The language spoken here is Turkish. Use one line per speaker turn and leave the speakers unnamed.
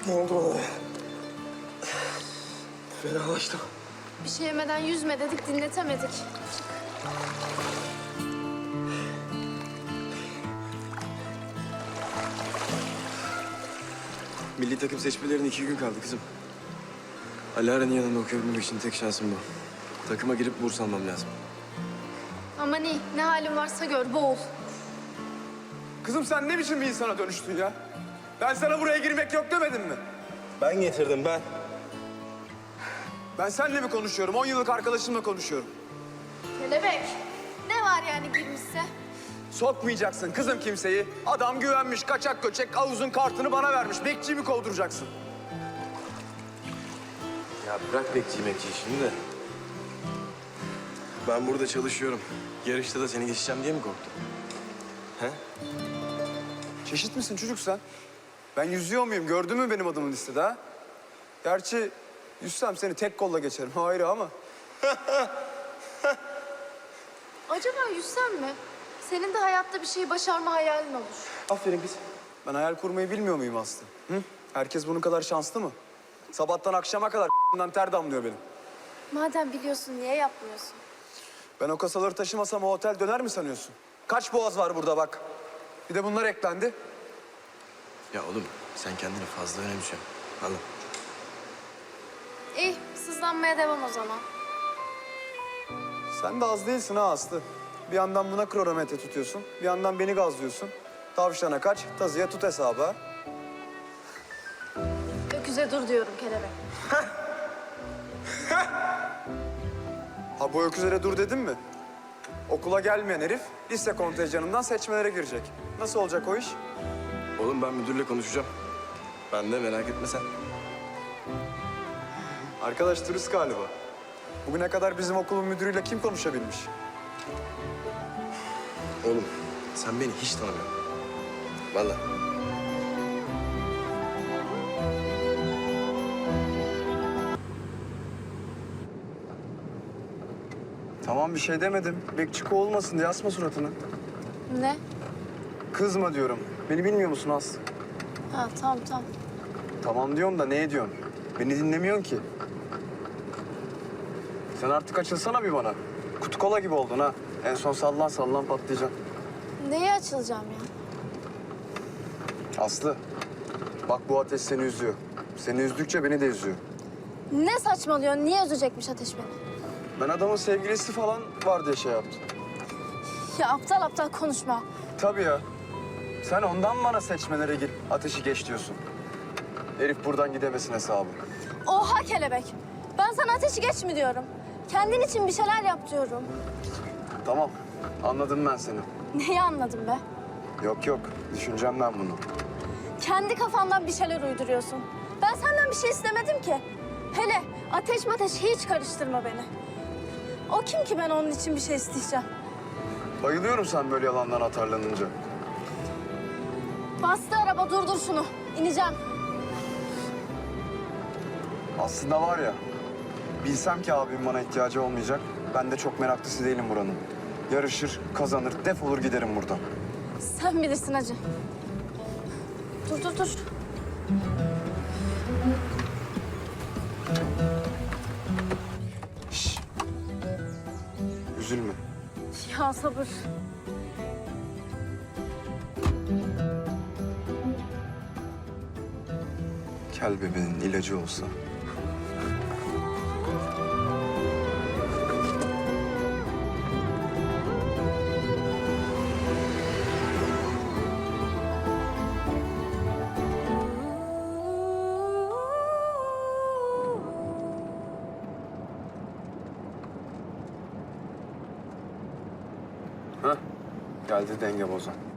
Ne oldu bana be? Fenalaştım.
Bir şey yemeden yüzme dedik, dinletemedik.
Milli takım seçmelerine 2 gün kaldı kızım. Alara'nın yanında okuyabilmek için tek şansım bu. Takıma girip burs almam lazım.
Aman iyi, ne halin varsa gör, boğul.
Kızım sen ne biçim bir insana dönüştün ya? Ben sana buraya girmek yok demedim mi?
Ben getirdim ben.
Ben seninle mi konuşuyorum? 10 yıllık arkadaşımla konuşuyorum.
Kelebek, ne var yani girmişse?
Sokmayacaksın kızım kimseyi. Adam güvenmiş, kaçak göçek havuzun kartını bana vermiş. Bekçiyi mi kovduracaksın?
Ya bırak bekçiyi şimdi de. Ben burada çalışıyorum. Yarışta da seni geçeceğim diye mi korktun? He?
Çeşit misin çocuk sen? Ben yüzüyor muyum? Gördün mü benim adımın listede ha? Gerçi yüzsem seni tek kolla geçerim. Ayrı ama.
Acaba yüzsen mi? Senin de hayatta bir şey başarma hayalin olur.
Aferin kız. Ben hayal kurmayı bilmiyor muyum Aslı? Hı? Herkes bunun kadar şanslı mı? Sabahtan akşama kadar ter damlıyor benim.
Madem biliyorsun, niye yapmıyorsun?
Ben o kasaları taşımasam o otel döner mi sanıyorsun? Kaç boğaz var burada bak. Bir de bunlar eklendi.
Ya oğlum sen kendini fazla önemsiyorsun. Anladın.
İyi, sızlanmaya devam o zaman.
Sen de az değilsin ha Aslı. Bir yandan buna kronometre tutuyorsun, bir yandan beni gazlıyorsun. Tavşana kaç, tazıya tut hesabı ha.
Öküze dur diyorum kelebek.
Ha bu öküzlere dur dedim mi? Okula gelmeyen herif lise kontenjanından seçmelere girecek. Nasıl olacak o iş?
Oğlum ben müdürle konuşacağım. Ben de merak etme sen.
Arkadaş turist galiba. Bugüne kadar bizim okulun müdürüyle kim konuşabilmiş?
Oğlum sen beni hiç tanımıyorsun. Vallahi.
Tamam bir şey demedim. Bekçiko olmasın diye asma suratını.
Ne?
Kızma diyorum. Beni bilmiyor musun Aslı?
Ha, tamam.
Tamam diyorum da ne ediyorsun? Beni dinlemiyorsun ki. Sen artık açılsana bir bana. Kutu kola gibi oldun ha. En son sallan patlayacaksın.
Neye açılacağım ya?
Aslı, bak bu ateş seni üzüyor. Seni üzdükçe beni de üzüyor.
Ne saçmalıyorsun? Niye üzecekmiş ateş beni?
Ben adamın sevgilisi falan var diye şey yaptım.
Ya aptal aptal konuşma.
Tabii ya. Sen ondan bana seçmelere gir, ateşi geç diyorsun. Herif buradan gidemesin hesabı.
Oha kelebek. Ben sana ateşi geç mi diyorum? Kendin için bir şeyler yap diyorum.
Tamam, anladım ben seni.
Neyi anladın be?
Yok, düşüneceğim ben bunu.
Kendi kafandan bir şeyler uyduruyorsun. Ben senden bir şey istemedim ki. Hele ateş hiç karıştırma beni. O kim ki ben onun için bir şey isteyeceğim?
Bayılıyorum sen böyle yalandan atarlanınca.
Bastı araba, durdur şunu. İneceğim.
Aslında var ya, bilsem ki abim bana ihtiyacı olmayacak, ben de çok meraklısı değilim buranın. Yarışır, kazanır, defolur giderim buradan.
Sen bilirsin hacı. Dur.
Şş. Üzülme.
Ya sabır.
Kel bebeğin ilacı olsa. Hah, geldi denge bozan.